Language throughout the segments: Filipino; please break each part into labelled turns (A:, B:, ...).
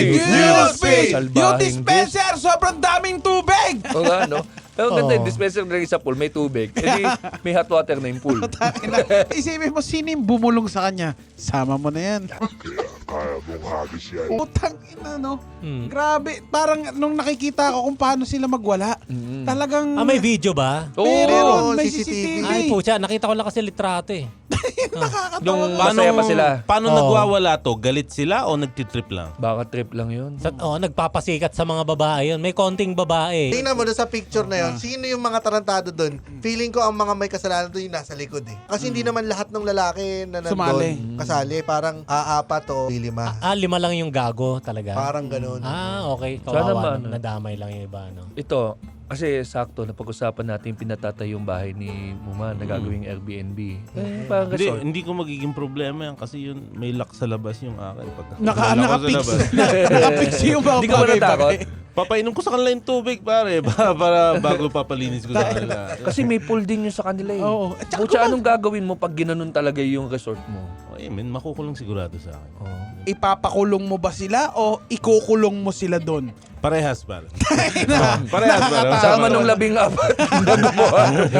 A: Newsfeed! Yung
B: Salbahing
A: dispenser, sobrang daming tubig!
B: O nga, no? Pero ganda yung dispenser na sa pool, may tubig. E di, may hot water na yung pool.
A: Isipin mo, sino yung bumulong sa kanya? Sama mo na yan.
C: Kaya mong hagis yan.
A: Utang ina, no? Grabe. Parang nung nakikita ko kung paano sila magwala, talagang...
D: May video ba?
B: Oo.
A: Meron, may
E: CCTV.
A: CCTV.
D: Ay po, nakita ko lang kasi litrato eh.
A: Nakakatawa.
B: Yung masaya pa sila.
E: Paano
D: Oo.
E: nagwawala to? Galit sila o nagtitrip lang?
B: Baka trip lang yun.
D: Nagpapasikat sa mga babae yun. May konting babae.
F: Tingnan mo doon sa picture na yun, sino yung mga tarantado doon? Feeling ko ang mga may kasalanan doon yung nasa likod eh. Kasi hindi naman lahat ng lalaki na
A: Sumali.
F: nandun kasali. Parang aapat o lima.
D: 5 lang yung gago talaga.
F: Parang ganun.
D: Okay.
B: Sana
D: Kawawa.
B: ba,
D: Nadamay lang yung iba, no?
B: Ito, kasi sakto, napag-usapan natin pinatatay yung bahay ni Muma na gagawing Airbnb. Parang
E: Hindi,
B: resort.
E: hindi ko magiging problema yan kasi yun may lock sa labas yung akin. Pag
A: Nakapix. Nakapix yung mga
B: Hindi ka ba natakot?
E: Papainom ko sa kanila yung tubig, pare, para bago papalinis ko sa kanila.
B: Kasi may pool din yun sa kanila eh.
A: Oo. At saka
B: Butya, anong gagawin mo pag ginanon talaga yung resort mo?
E: Ay, men, makukulong sigurado sa akin.
A: Ipapakulong mo ba sila o ikukulong mo sila doon?
E: Parehas, pare. Parehas, pare.
B: Sama nung 14 na gumawa.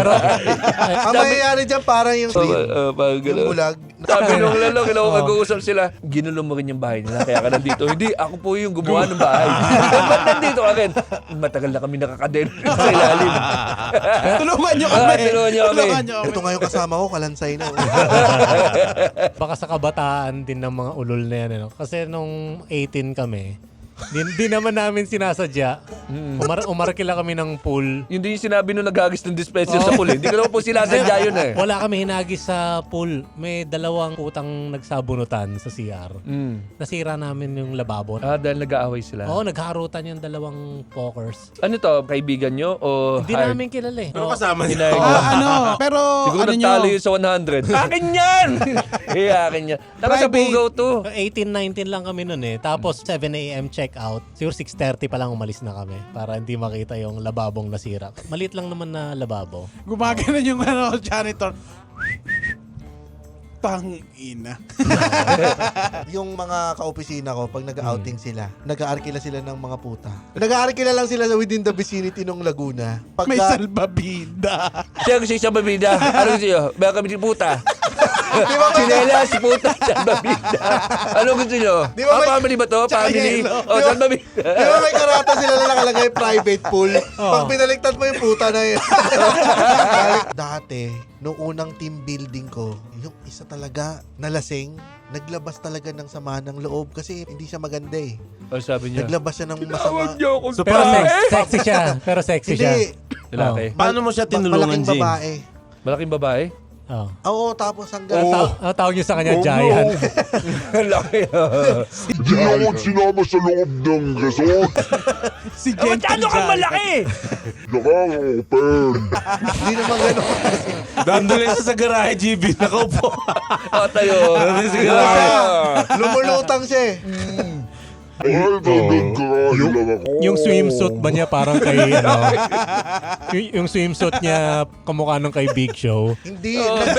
F: Ang mangyayari dyan parang yung
B: Parang
F: yung
B: gano'n.
F: bulag.
B: Sabi nung lalo, mag-uusap sila, ginulo mo rin yung bahay nila, kaya ka nandito. Hindi, ako po yung gumawa ng bahay. Ba't nandito ka rin? Matagal na kami nakakaden sa ilalim.
A: Tulungan nyo kami.
B: Tulungan nyo kami.
F: Ito nga yung kasama ko, kalansay na.
D: Baka sa kabataan din ng mga ulol na yan. Ano? Kasi nung 18 kami, di naman namin sinasadya. Umarkila kami ng pool.
B: Yun din yung sinabi nung naghagis ng dispenser sa pool. Hindi ko naman po sinasadya yun eh.
D: Wala kami hinagis sa pool. May 2 putang nagsabunutan sa CR. Nasira namin yung lababo.
B: Dahil nag-aaway sila.
D: Oo, nagharutan yung 2 pokers.
B: Ano to, kaibigan nyo o
D: Hindi
B: hired?
D: namin kilala eh.
E: Pero kasama niya.
A: Pero
B: Siguro
A: ano
B: nagtalo
A: nyo?
B: yun sa 100. Akin yan! Akin yan. Tapos sa
A: Private.
B: Bugaw to.
D: 18-19 lang kami nun eh. Tapos 7 a.m. check out. Siguro 6:30 pa lang umalis na kami para hindi makita yung lababong nasira. Maliit lang naman na lababo.
A: Gumagana yung janitor. Tangina.
F: Yung mga kaopisina ko, pag nag-outing sila, nag-aarkila sila ng mga puta. Nag-aarkila lang sila within the vicinity ng Laguna.
A: May salbabida.
B: Siya gusto yung babida. Ano gusto nyo? Baka kami si puta. Sinela, si puta, salbabida. Ano gusto nyo?
F: Di ba may-
B: Family ba to?
F: Tsaka
B: Family?
F: yellow.
B: O,
F: Di ba-
B: salbabida.
F: Di ba may karata sila na nakalagay private pool? Pag pinaliktad mo yung puta na yun. Dati, nung unang team building ko, yung isa talaga nalasing, naglabas talaga ng sama ng loob kasi hindi siya maganda eh.
B: O, sabi niya.
F: Naglabas siya ng masama.
B: niyo akong
E: So,
D: Pero
E: paano,
D: sexy siya. Pero sexy siya.
F: Hindi.
B: Lalaki.
E: paano mo siya tinulungan,
F: Malaking
E: James?
F: babae.
B: Malaking babae?
D: Oh.
F: Oo, tapos hanggang...
D: Tawag niyo sa kanya, Giant.
B: Laki.
C: Hindi ako sinama sa loob ng resort.
A: Si Gentle
B: Masyado kang
A: Giant.
B: malaki!
C: Nakaka-open.
F: Hindi naman gano'n.
E: Dandulin siya sa garahe, GB. Nakaupo.
B: O, tayo.
E: Dandulin sa garahe.
F: Lumulutang siya eh.
C: Ay, ganun karahi lang ako.
D: Yung swimsuit ba niya parang kay, ano, yung swimsuit niya kamukha ng kay Big Show.
F: Hindi.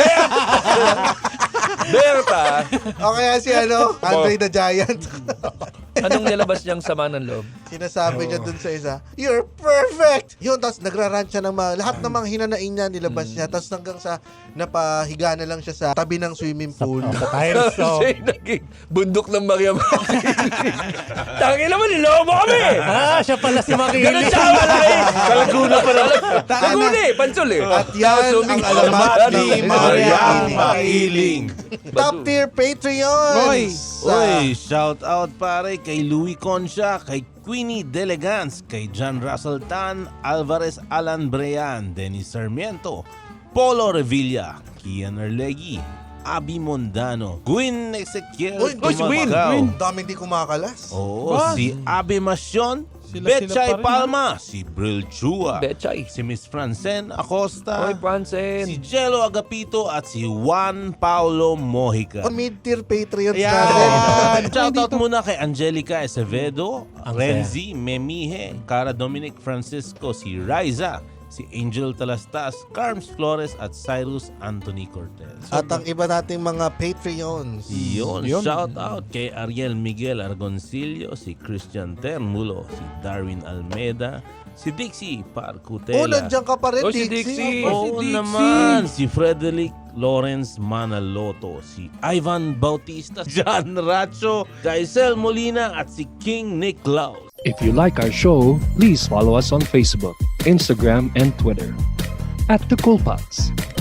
B: Berta!
F: O kaya si ano, Andre the Giant.
B: Anong nilabas niyang sama ng loob?
F: Sinasabi niya dun sa isa, "You're perfect!" Yun, tapos nagrarant siya ng lahat ng mga hinanain niya, nilabas niya. Tapos hanggang sa napahiga na lang siya sa tabi ng swimming pool.
D: Sa tiles, so.
B: Siya yung naging bundok ng Maria Makiling. Tangin naman, niloko mo kami!
D: Siya pala si
B: Ganun
D: Makiling.
B: siya, malaki!
E: Kalaguna pa lang.
B: Laguna eh, pansol eh.
F: At yan ang alamat ni Maria Makiling. Top tier Patreons!
E: Uy, shout out pare kay Louis Concha, kay Queenie Delegans, kay John Russell Tan, Alvarez Alan Brean, Dennis Sarmiento, Polo Revilla, Kian Arlegui, Abi Mondano, Gwyn Ezequiel
F: Uy,
B: si Gwyn,
E: Tumagaw.
F: Daming di kumakalas.
E: Oo,
A: Ba?
E: si Abi Masyon,
A: Sila
E: Betchay
A: pa rin,
E: Palma, si Bril Chua,
B: Betchay.
E: si Miss Francen Acosta,
B: Oy, Franzen.
E: si Jello Agapito at si Juan Paulo Mojica.
F: Mid-tier Patreons
E: Ayan.
F: natin.
E: Shoutout muna kay Angelica Acevedo,
D: Ang
E: Renzi Memihe, Cara Dominic Francisco, si Riza, si Angel Talastas, Carms Flores at Cyrus Anthony Cortez.
F: At ang iba nating mga Patreons.
E: Yun, shout out kay Ariel Miguel Argoncillo, si Christian Termulo, si Darwin Almeida, si Dixie Parcutela.
F: Nandiyan ka pa rin,
B: Oh, si
F: Dixie.
B: Dixie.
E: Oo naman, si Frederick Lawrence Manaloto, si Ivan Bautista, John Racho, Jaisel Molina at si King Nicklaus.
G: If you like our show, please follow us on Facebook, Instagram, and Twitter @TheCoolPods.